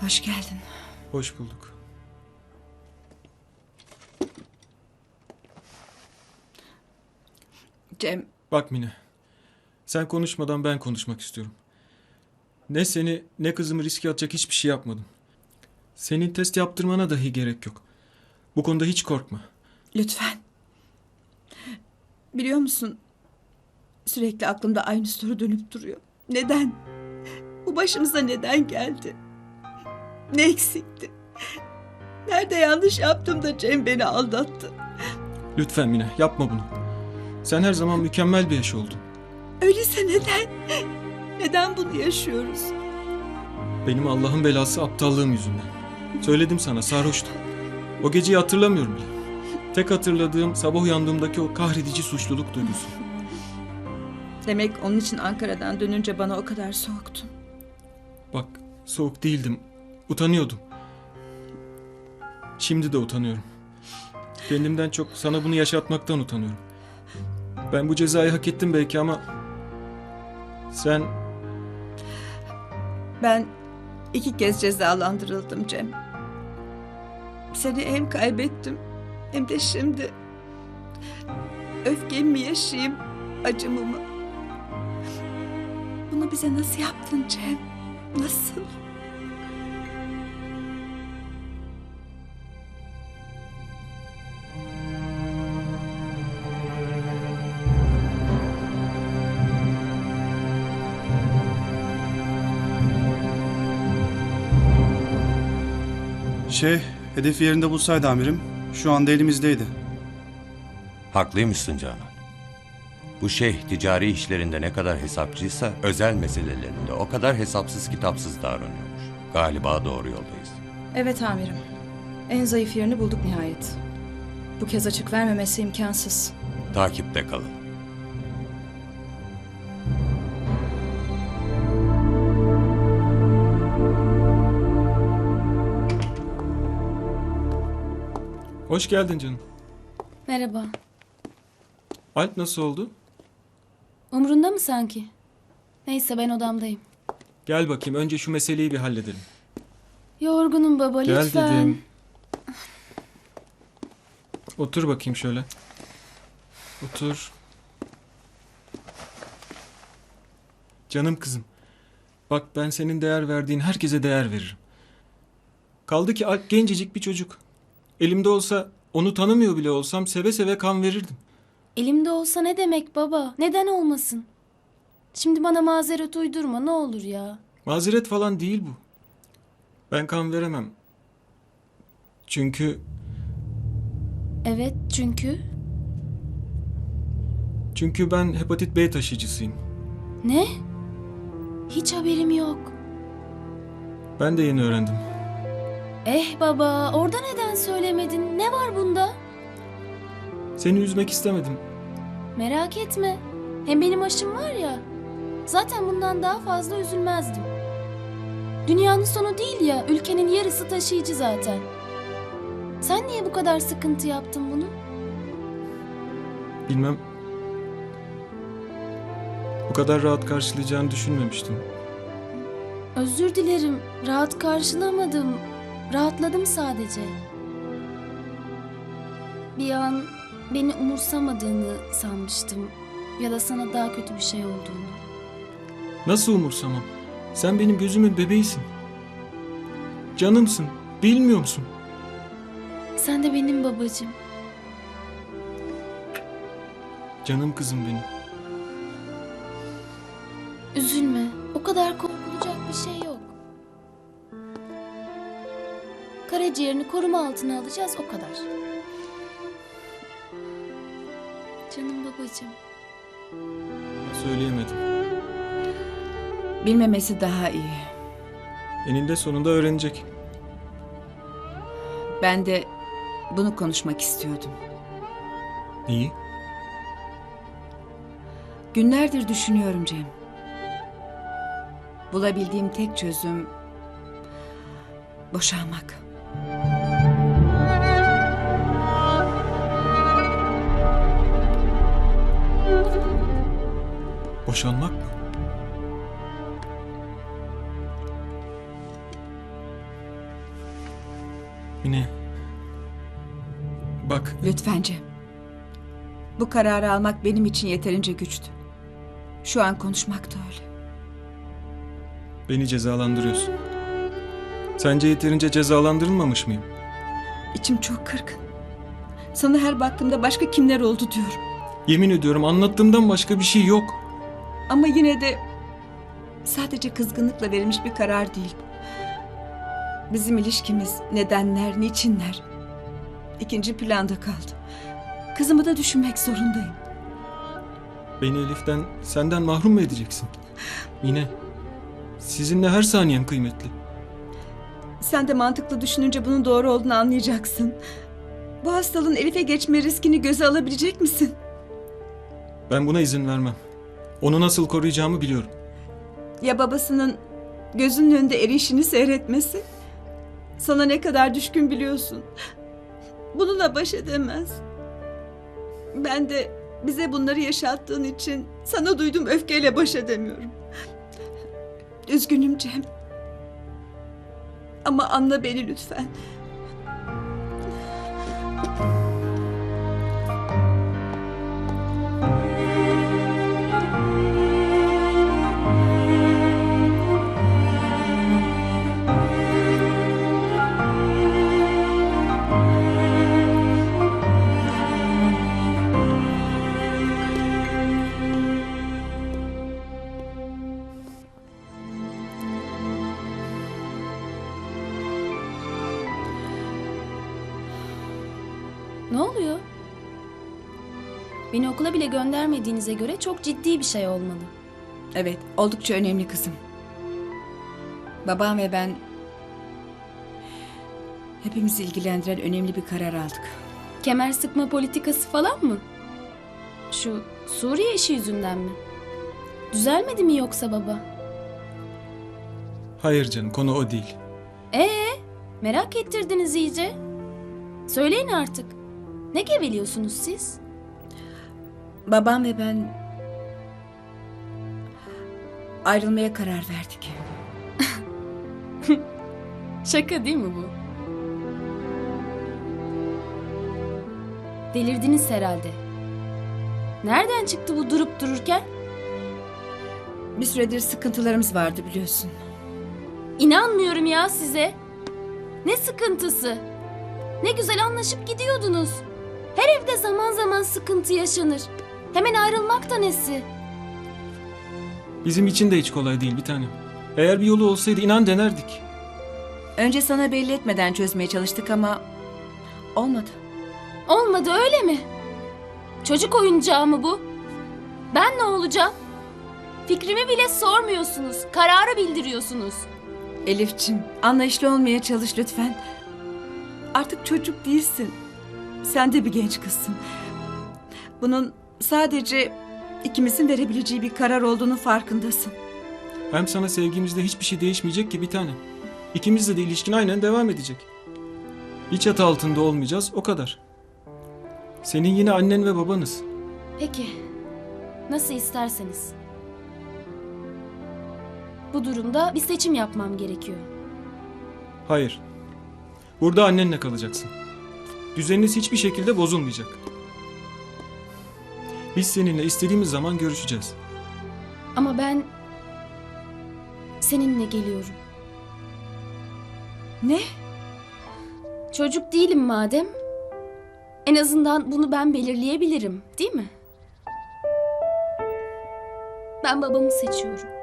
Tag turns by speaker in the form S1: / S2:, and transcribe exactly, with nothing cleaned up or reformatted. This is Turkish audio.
S1: Hoş geldin.
S2: Hoş bulduk.
S1: Cem,
S2: Bak Mine, sen konuşmadan ben konuşmak istiyorum. Ne seni ne kızımı riske atacak hiçbir şey yapmadım. Senin test yaptırmana dahi gerek yok. Bu konuda hiç korkma.
S1: lütfen. Biliyor musun? Sürekli aklımda aynı soru dönüp duruyor. Neden? Bu başımıza neden geldi? Ne eksikti? Nerede yanlış yaptım da Cem beni aldattı?
S2: Lütfen Mine, yapma bunu. Sen her zaman mükemmel bir eş oldun.
S1: Öyleyse neden? Neden bunu yaşıyoruz?
S2: Benim Allah'ın belası aptallığım yüzünden. Söyledim sana, sarhoştum. O geceyi hatırlamıyorum bile. Tek hatırladığım sabah uyandığımdaki o kahredici suçluluk duygusu.
S1: Demek onun için Ankara'dan dönünce bana o kadar soğuktun.
S2: Bak, soğuk değildim. Utanıyordum. Şimdi de utanıyorum. Kendimden çok sana bunu yaşatmaktan utanıyorum. Ben bu cezayı hak ettim belki ama... Sen...
S1: Ben iki kez cezalandırıldım Cem. Seni hem kaybettim hem de şimdi... Öfkemi mi yaşayayım, acımı mı? Bunu bize nasıl yaptın Cem? Nasıl?
S3: Şey, hedefi yerinde bulsaydı amirim, şu anda elimizdeydi.
S4: Haklıymışsın Canan. Bu şeyh ticari işlerinde ne kadar hesapçıysa özel meselelerinde o kadar hesapsız kitapsız davranıyormuş. Galiba doğru yoldayız.
S5: Evet amirim. En zayıf yerini bulduk nihayet. Bu kez açık vermemesi imkansız.
S4: Takipte kalın.
S2: Hoş geldin canım.
S6: Merhaba.
S2: Alp nasıl oldu?
S6: Umrunda mı sanki? Neyse ben odamdayım.
S2: Gel bakayım, önce şu meseleyi bir halledelim.
S6: Yorgunum baba
S2: Gel
S6: lütfen.
S2: dedim. Otur bakayım şöyle. Otur. Canım kızım. Bak, ben senin değer verdiğin herkese değer veririm. Kaldı ki Alp gencecik bir çocuk. Elimde olsa, onu tanımıyor bile olsam seve seve kan verirdim.
S6: Elimde olsa ne demek baba? Neden olmasın? Şimdi bana mazeret uydurma ne olur ya.
S2: Mazeret falan değil bu. Ben kan veremem. Çünkü...
S6: Evet çünkü...
S2: Çünkü ben hepatit B taşıyıcısıyım.
S6: Ne? Hiç haberim yok.
S2: Ben de yeni öğrendim.
S6: Eh baba orada neden söylemedin? Ne var bunda?
S2: Seni üzmek istemedim.
S6: Merak etme. Hem benim aşım var ya. Zaten bundan daha fazla üzülmezdim. Dünyanın sonu değil ya. Ülkenin yarısı taşıyıcı zaten. Sen niye bu kadar sıkıntı yaptın bunu?
S2: Bilmem. Bu kadar rahat karşılayacağını düşünmemiştim.
S6: Özür dilerim. Rahat karşılamadım. Rahatladım sadece. Bir an beni umursamadığını sanmıştım. Ya da sana daha kötü bir şey olduğunu.
S2: Nasıl umursamam? Sen benim gözümün bebeğisin. Canımsın. Bilmiyor musun?
S6: Sen de benim babacığım.
S2: Canım kızım benim.
S6: Üzülme. O kadar korkulacak bir şey yok. Karaciğerini koruma altına alacağız o kadar. Canım babacığım.
S2: Söyleyemedim.
S1: Bilmemesi daha iyi.
S2: Eninde sonunda öğrenecek.
S1: Ben de bunu konuşmak istiyordum.
S2: Neyi?
S1: Günlerdir düşünüyorum Cem. Bulabildiğim tek çözüm boşanmak.
S2: Boşanmak mı? Mine. Bak,
S1: Lütfen Cem. Bu kararı almak benim için yeterince güçtü. Şu an konuşmak da öyle.
S2: beni cezalandırıyorsun. Sence yeterince cezalandırılmamış mıyım?
S1: İçim çok kırgın. Sana her baktığımda başka kimler oldu diyorum.
S2: Yemin ediyorum anlattığımdan başka bir şey yok.
S1: Ama yine de sadece kızgınlıkla verilmiş bir karar değil bu. Bizim ilişkimiz, nedenler, niçinler ikinci planda kaldı. Kızımı da düşünmek zorundayım.
S2: Beni Elif'ten, senden mahrum mu edeceksin? Mine, sizinle her saniyen kıymetli.
S1: Sen de mantıklı düşününce bunun doğru olduğunu anlayacaksın. Bu hastalığın Elif'e geçme riskini göze alabilecek misin?
S2: Ben buna izin vermem. Onu nasıl koruyacağımı biliyorum.
S1: Ya babasının gözünün önünde erişini seyretmesi? Sana ne kadar düşkün biliyorsun. Bununla baş edemez. Ben de bize bunları yaşattığın için sana duyduğum öfkeyle baş edemiyorum. Üzgünüm Cem. Ama anla beni lütfen.
S6: Ne oluyor? Beni okula bile göndermediğinize göre çok ciddi bir şey olmalı.
S1: Evet, oldukça önemli kızım. Babam ve ben hepimizi ilgilendiren önemli bir karar aldık.
S6: Kemer sıkma politikası falan mı? Şu Suriye işi yüzünden mi? Düzelmedi mi yoksa baba?
S2: Hayır canım, konu o değil.
S6: Ee, merak ettirdiniz iyice. Söyleyin artık. Ne geveliyorsunuz siz?
S1: Babam ve ben ayrılmaya karar verdik.
S6: Şaka değil mi bu? Delirdiniz herhalde. Nereden çıktı bu durup dururken?
S1: Bir süredir sıkıntılarımız vardı biliyorsun.
S6: İnanmıyorum ya size. Ne sıkıntısı? Ne güzel anlaşıp gidiyordunuz. Her evde zaman zaman sıkıntı yaşanır. Hemen ayrılmak da nesi?
S2: Bizim için de hiç kolay değil bir tanem. Eğer bir yolu olsaydı inan denerdik.
S1: Önce sana belli etmeden çözmeye çalıştık ama olmadı.
S6: Olmadı öyle mi? Çocuk oyuncağı mı bu? Ben ne olacağım? Fikrimi bile sormuyorsunuz. Kararı bildiriyorsunuz.
S1: Elifçim, anlayışlı olmaya çalış lütfen. Artık çocuk değilsin. Sen de bir genç kızsın. Bunun sadece ikimizin verebileceği bir karar olduğunu farkındasın.
S2: Hem sana sevgimizde hiçbir şey değişmeyecek ki bir tanem. İkimizle de ilişkin aynen devam edecek. Bir çatı altında olmayacağız, o kadar. Senin yine annen ve babanız.
S6: Peki. Nasıl isterseniz. Bu durumda bir seçim yapmam gerekiyor.
S2: Hayır. Burada annenle kalacaksın. Düzeniniz hiçbir şekilde bozulmayacak. Biz seninle istediğimiz zaman görüşeceğiz.
S6: Ama ben seninle geliyorum.
S1: Ne?
S6: Çocuk değilim madem. En azından bunu ben belirleyebilirim, değil mi? Ben babamı seçiyorum.